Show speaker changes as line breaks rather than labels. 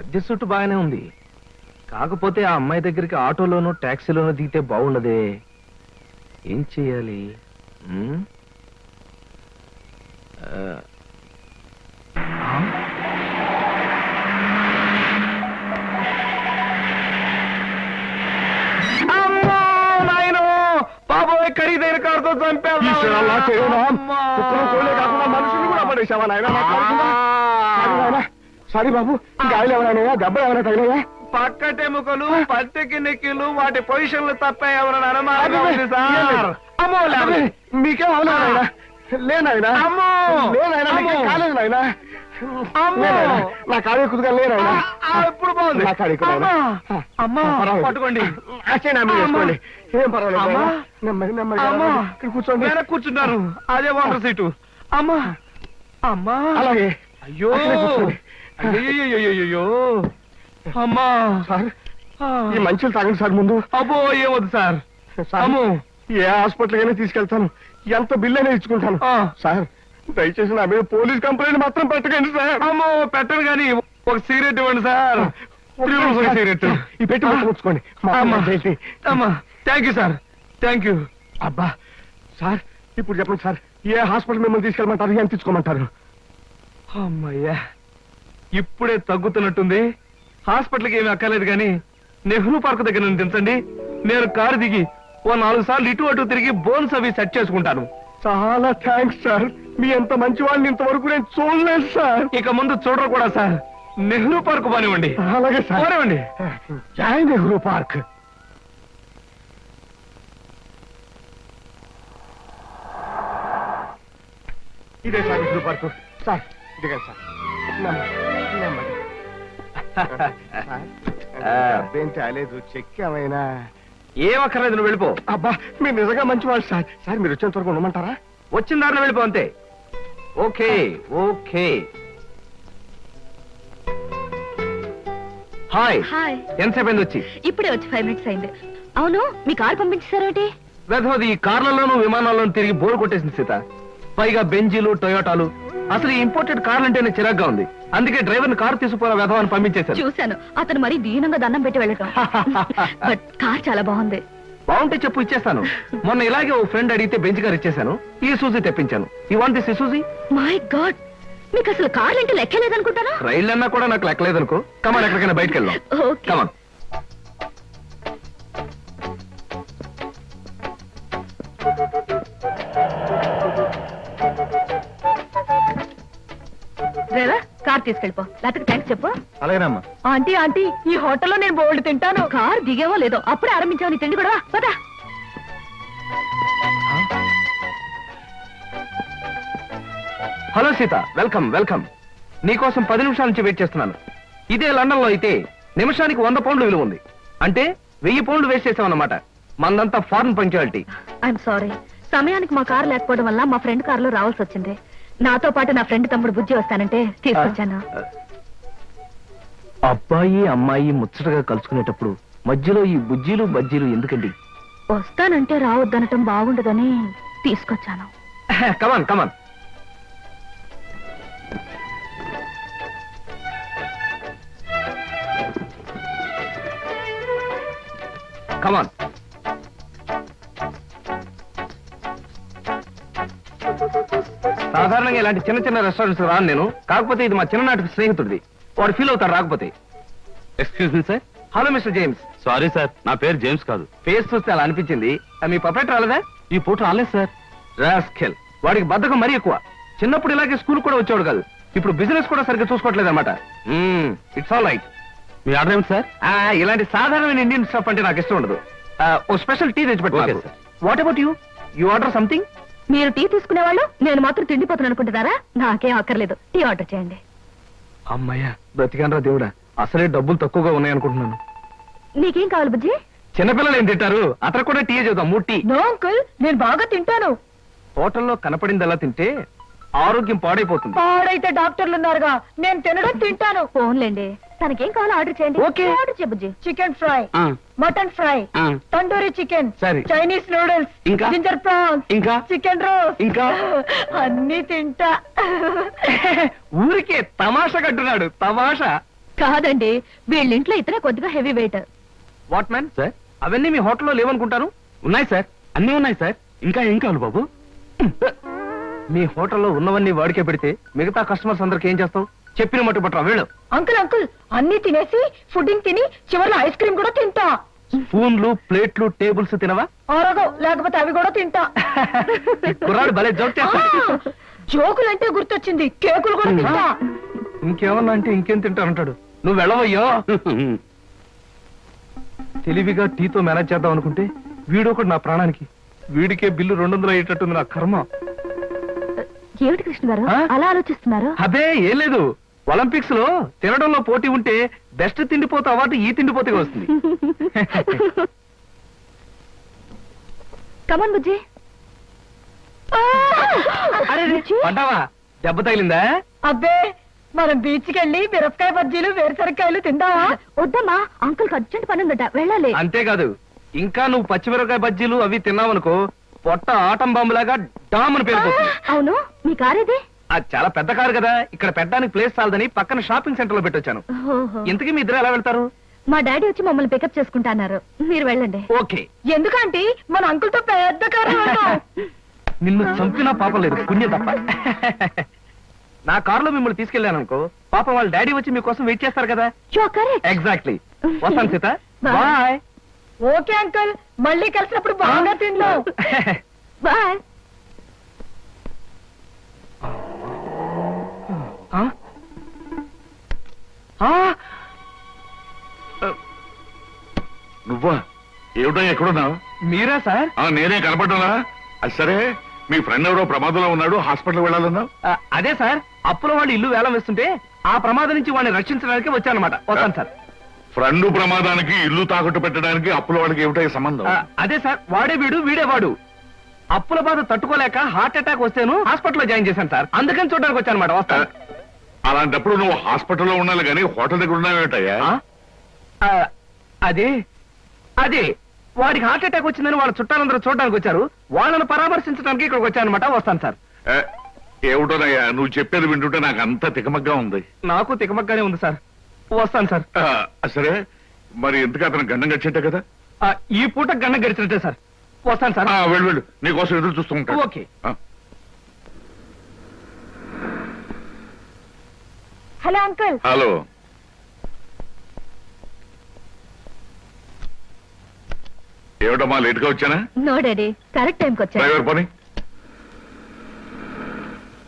దిస్సుట్టు బాగానే ఉంది. కాకపోతే ఆ అమ్మాయి దగ్గరికి ఆటోలోనూ టాక్సీలోనూ దిగితే బాగుండదే. ఏం చెయ్యాలి? బాబోయ్, ఖరీదైన కారుతో చంపారు.
మనుషులు కూడా పడేసావా నాయన? సారీ బాబు, గాయలు ఎవరైనా దెబ్బ ఎవరైనా తగిలాయా?
పక్కటెముకలు, పత్తికి నెక్కిలు, వాటి పొజిషన్లు తప్ప ఎవరైనా అనుమానం
మీకేం అవలేదా? లేనాయనా కాలేదు నాయన. నా కాడే కుదుగా లేనాయనా.
ఎప్పుడు బాగుంది.
నా కాడే
పట్టుకోండి,
వేసుకోండి. ఏం పర్వాలేదు. నెమ్మది నెమ్మది కూర్చోండి.
కూర్చుంటారు. అదే వాటర్ సీటు. అమ్మా అమ్మా.
అలాగే.
అయ్యో అయ్యో అమ్మా.
సార్, ఈ మంచులు తాగండి సార్ ముందు.
అబ్బో ఏమొద్దు సార్.
ఏ హాస్పిటల్ అయినా తీసుకెళ్తాను, ఎంత బిల్ అయినా ఇచ్చుకుంటాను. సార్ దయచేసి నా మీద పోలీస్ కంప్లైంట్ మాత్రం పెట్టకండి సార్.
అమ్మో పెట్టను కానీ ఒక సిగరెట్ ఇవ్వండి సార్. సిగరెట్
ఈ పెట్టి ముచ్చుకోండి.
Thank you sir, thank you.
అబ్బా సార్, ఇప్పుడు చెప్పండి సార్, ఏ హాస్పిటల్ మిమ్మల్ని తీసుకెళ్ళమంటారు, ఎంత తీసుకోమంటారు?
అమ్మయ్యా, ఇప్పుడే తగ్గుతున్నట్టుంది. హాస్పిటల్కి ఏమీ అక్కర్లేదు కానీ నెహ్రూ పార్క్ దగ్గర నుండి దించండి. నేను కారు దిగి ఓ 4 సార్లు ఇటు అటు తిరిగి బోన్స్ అవి సెట్ చేసుకుంటాను.
చాలా థ్యాంక్స్ సార్. మీ ఎంత మంచి వాళ్ళని ఇంతవరకు నేను చూడలేదు సార్.
ఇక ముందు చూడరు కూడా సార్. నెహ్రూ పార్క్ పోనివ్వండి.
అలాగే సార్,
పోనివ్వండి.
జై నెహ్రూ పార్క్. ఇదే సార్ నెహ్రూ పార్క్. సార్ ఇదిగా సార్. అబ్బేం చాలేదు, చెక్ ఏమైనా?
ఏం అక్కర్లేదు, నువ్వు వెళ్ళిపో.
అబ్బా మీరు నిజంగా మంచివాళ్ళు సార్. సార్ మీరు వచ్చేంత వరకు ఉండమంటారా?
వచ్చిన దారిలో వెళ్ళిపో అంతే. Okay okay. హాయ్. ఎంతసేపు అయింది వచ్చి?
ఇప్పుడే వచ్చి 5 minutes అయింది. అవును, మీ కారు పంపించేశారేంటి?
వెధవది ఈ కార్లలోనూ విమానాల్లోనూ తిరిగి బోర్ కొట్టేసింది సీత. పైగా బెంజీలు, టొయోటాలు. అసలు ఈ ఇంపోర్టెడ్ కార్లు అంటేనే చిరాగ్గా ఉంది. అందుకే డ్రైవర్ని కారు తీసుకుపోయిన వెధవని పంపించేశారు.
చూశాను, అతను మరీ దీనంగా దండం పెట్టి వెళ్ళటం. బట్ కార్ చాలా బాగుంది.
బాగుంటే చెప్పు, ఇచ్చేస్తాను. మొన్న ఇలాగే ఓ ఫ్రెండ్ అడిగితే బెంచ్ కార్ ఇచ్చేసాను. ఈ సూజీ తెప్పించాను. ఈ want this Suzie?
My god, మీకు అసలు కార్లు అంటే లెక్కలేదనుకుంటారా?
రైళ్ళు అన్నా కూడా నాకు లెక్కలేదనుకో. కమాన్, ఎక్కడికైనా బయటకు వెళ్దాం. కమాన్.
డ్రైవర్, కార్ తీసుకెళ్ళిపో. లేకపోతే థ్యాంక్స్ చెప్పు.
అలాగేనమ్మా.
ఆంటీ ఆంటీ, ఈ హోటల్లో నేను బోల్డ్ తింటాను. కార్ దిగేవో లేదో, అప్పుడే ఆరంభించావు నీ తిండి కూడా. పదా.
Hello Sita, welcome welcome. నీకోసం 10 నిమిషాల నుంచి వెయిట్ చేస్తున్నాను. ఇదే లండన్ లో అయితే నిమిషానికి 100 పౌండ్లు విలువ ఉంది. అంటే 1000 పౌండ్లు వేస్ట్ చేసామన్నమాట. మందంతా ఫారెన్ పంక్చువాలిటీ.
ఐఎమ్ సారీ, సమయానికి మా కారు లేకపోవడం వల్ల మా ఫ్రెండ్ కారులో రావాల్సి వచ్చింది. నాతో పాటు నా ఫ్రెండ్ తమ్ముడు బుజ్జి వస్తానంటే తీసుకొచ్చాను.
అబ్బాయి అమ్మాయి ముచ్చటగా కలుసుకునేటప్పుడు మధ్యలో ఈ బుజ్జీలు బజ్జీలు ఎందుకండి?
వస్తానంటే రావద్దనటం బాగుండదని తీసుకొచ్చాను.
కమాన్ కమాన్. కమాన్. సాధారణంగా ఇలాంటి చిన్న చిన్న రెస్టారెంట్స్ రాను నేను. కాకపోతే ఇది మా చిన్ననాటి స్నేహితుడిది. వాడు ఫీల్ అవుతాడు రాకపోతే.
Excuse me sir.
Hello mister James.
Sorry sir, నా పేరు జేమ్స్ కాదు.
ఫేస్ చూస్తే అలా అనిపించింది. మీ పర్ఫెక్ట్ రాలేదా?
ఈ పూట రాలేదు సార్.
రాస్కెల్, వాడికి బద్ధకం మరీ ఎక్కువ. చిన్నప్పుడు ఇలాగే స్కూల్ కూడా వచ్చేవాడు కాదు. ఇప్పుడు బిజినెస్ కూడా సరిగ్గా చూసుకోవట్లేదు అనమాట. It's all right.
మీ ఆర్డర్ ఏమిటి సార్?
ఇలాంటి సాధారణమైన ఇండియన్ స్టఫ్ అంటే నాకు ఇష్టం ఉండదు. ఓ స్పెషల్ టీ తెచ్చిపెట్టారు. What about you? You order something?
మీరు టీ తీసుకునే వాళ్ళు, నేను మాత్రం తిండిపోతున్నాను అనుకుంటున్నారా? నాకేం అక్కర్లేదు, టీ ఆర్డర్ చేయండి.
అమ్మయ్యా, బ్రతికానరా దేవుడా. అసలే డబ్బులు తక్కువగా ఉన్నాయనుకుంటున్నాను.
నీకేం కావాలి బుజ్జి?
చిన్నపిల్లలు ఏం తింటారు? అతను కూడా టీ చేద్దాం. 3 టీ.
నో అంకుల్, నేను బాగా తింటాను.
హోటల్లో కనపడింది అలా తింటే ఆరోగ్యం పాడైపోతుంది.
పాడైతే డాక్టర్లు ఉన్నారుగా. నేను తినడం తింటాను. ఫోన్లేండి, తనకేం కావాలో ఆర్డర్ చేయండి.
ఓకే.
ఆర్డర్ చేయ బుజ్జి. Chicken fry, mutton fry, tandoori chicken,
సరే,
చైనీస్ నూడిల్స్,
ఇంకా
జింజర్ ప్రాన్స్,
ఇంకా
చికెన్ రోస్ట్,
ఇంకా
అన్ని తింటా.
ఊరికే తమాషా కట్టున్నాడు. తమాషా.
కాదండి, వీళ్ళింట్లో ఇతనే కొద్దిగా heavy weight.
What man
sir
అవన్నీ మీ హోటల్లో లేవనుకుంటాను.
ఉన్నాయి సార్, అన్నీ ఉన్నాయి సార్. ఇంకా ఏం కావాలి బాబు?
మీ హోటల్లో ఉన్నవన్నీ వాడికే పెడితే మిగతా కస్టమర్స్ అందరికి ఏం చేస్తావు? చెప్పిన మట్టు పట్టరా వీళ్ళు.
అంకుల్ అంకుల్, అన్ని తినేసి ఫుడ్డింగ్ తిని చివరిలో ఐస్ క్రీమ్ కూడా తింటా.
స్పూన్లు ప్లేట్లు టేబుల్స్ తినవా?
ఆరోగో, లేకపోతే అవి కూడా తింటా.
కుర్రాడు భలే జోక్ చేస్తాడు.
జోకులంటే గుర్తొచ్చింది, కేకులు కూడా తింటా.
ఇంకేమన్నా అంటే ఇంకేం తింటానంటాడు. నువ్వు వెళ్ళవయ్యో. తెలివిగా టీతో మేనేజ్ చేద్దాం అనుకుంటే వీడొకడు నా ప్రాణానికి. వీడికే బిల్లు 200 అయ్యేటట్టుంది నా కర్మ.
ఏమిటి కృష్ణ గారు
ఆ?
అలా ఆలోచిస్తున్నారు?
అదే ఏం లేదు, ఒలింపిక్స్ లో తినడంలో పోటీ ఉంటే బెస్ట్ తిండిపోతే అవార్డు ఈ తిండిపోతే వస్తుంది.
కమన్ బుజ్జి.
అరే పడ్డావా? దెబ్బ తగిలిందా?
అబ్బే, మనం బీచ్ కెళ్ళి మిరపకాయ బజ్జీలు వేరుసరికాయలు తిందామా? వద్దమ్మా, అంకుల్ అర్జెంట్ పని ఉందట, వెళ్ళాలి.
అంతేకాదు, ఇంకా నువ్వు పచ్చిమిరపకాయ బజ్జీలు అవి తిన్నావనుకో పొట్ట ఆటం బాంబులాగా డామ్ అని పేరుపోతుంది.
అవును, మీ కార్ ఇది?
అది చాలా పెద్ద కారు కదా, ఇక్కడ పెట్టడానికి ప్లేస్ చాలదని పక్కన షాపింగ్ సెంటర్ లో పెట్టొచ్చాను. ఇంతకీ మీ ఇద్దరు ఎలా వెళ్తారు?
మా డాడీ వచ్చి మమ్మల్ని పికప్ చేసుకుంటున్నారు, మీరు వెళ్ళండి.
ఓకే.
ఎందుకంటే మన అంకుల్ తో పెద్ద కారు.
నిన్ను చంపినా పాపం లేదు, పుణ్యం తప్ప. నా కారులో మిమ్మల్ని తీసుకెళ్ళాను అనుకో, పాపం వాళ్ళ డాడీ వచ్చి మీకోసం వెయిట్ చేస్తారు కదా. ఎగ్జాక్ట్లీ. వస్తాను సీత, బాయ్.
ఓకే అంకుల్, మళ్ళీ కలిసినప్పుడు బాగా తిందాం. బాయ్.
నువ్వా? ఏమిటో ఎక్కడున్నావు?
మీరా సార్?
నేనే కనపడ్డా? అది సరే, మీ ఫ్రెండ్ ఎవరో ప్రమాదంలో ఉన్నాడు, హాస్పిటల్ వెళ్ళాలన్నావు.
అదే సార్, అప్పుల వాళ్ళు ఇల్లు వేలం వేస్తుంటే ఆ ప్రమాదం నుంచి వాడిని రక్షించడానికి వచ్చానమాట. వస్తాను సార్.
ఫ్రెండ్ ప్రమాదానికి ఇల్లు తాకట్టు పెట్టడానికి అప్పుల వాళ్ళకి ఏమిటో సంబంధం?
అదే సార్, వాడే వీడు వీడే వాడు. అప్పుల బాధ తట్టుకోలేక హార్ట్ అటాక్ వస్తేను హాస్పిటల్లో జాయిన్ చేశాను సార్, అందుకని చూడడానికి వచ్చానమాట. వస్తాను.
అలాంటప్పుడు నువ్వు హాస్పిటల్లో ఉండాలి కానీ హోటల్ దగ్గర ఉన్నావేటయ్యా?
అదే అదే వాడికి హార్ట్ అటాక్ వచ్చిందని వాళ్ళ చుట్టాలందరూ చూడడానికి వచ్చారు, వాళ్ళని పరామర్శించడానికి ఇక్కడికి వచ్చానమాట. వస్తాను సార్.
ఏమిటోనయ్యా నువ్వు చెప్పేది వింటుంటే నాకు అంతా తికమగ్గా ఉంది.
నాకు తికమగ్గానే ఉంది సార్. వస్తాను సార్.
సరే, మరి ఎందుకు అతను గండం గడిచేట కదా?
ఈ పూట గండం గడిచినట్టే సార్. వస్తాను సార్.
వెళ్ళు వెళ్ళు, నీకోసం ఎదురు చూస్తూ ఉంటాను.
ఓకే.
Hello uncle.
హలో. ఏమిటమ్మా లేట్ గా వచ్చానా?
నో డాడీ, కరెక్ట్ టైంకి వచ్చాను.
డ్రైవర్ పోనీ.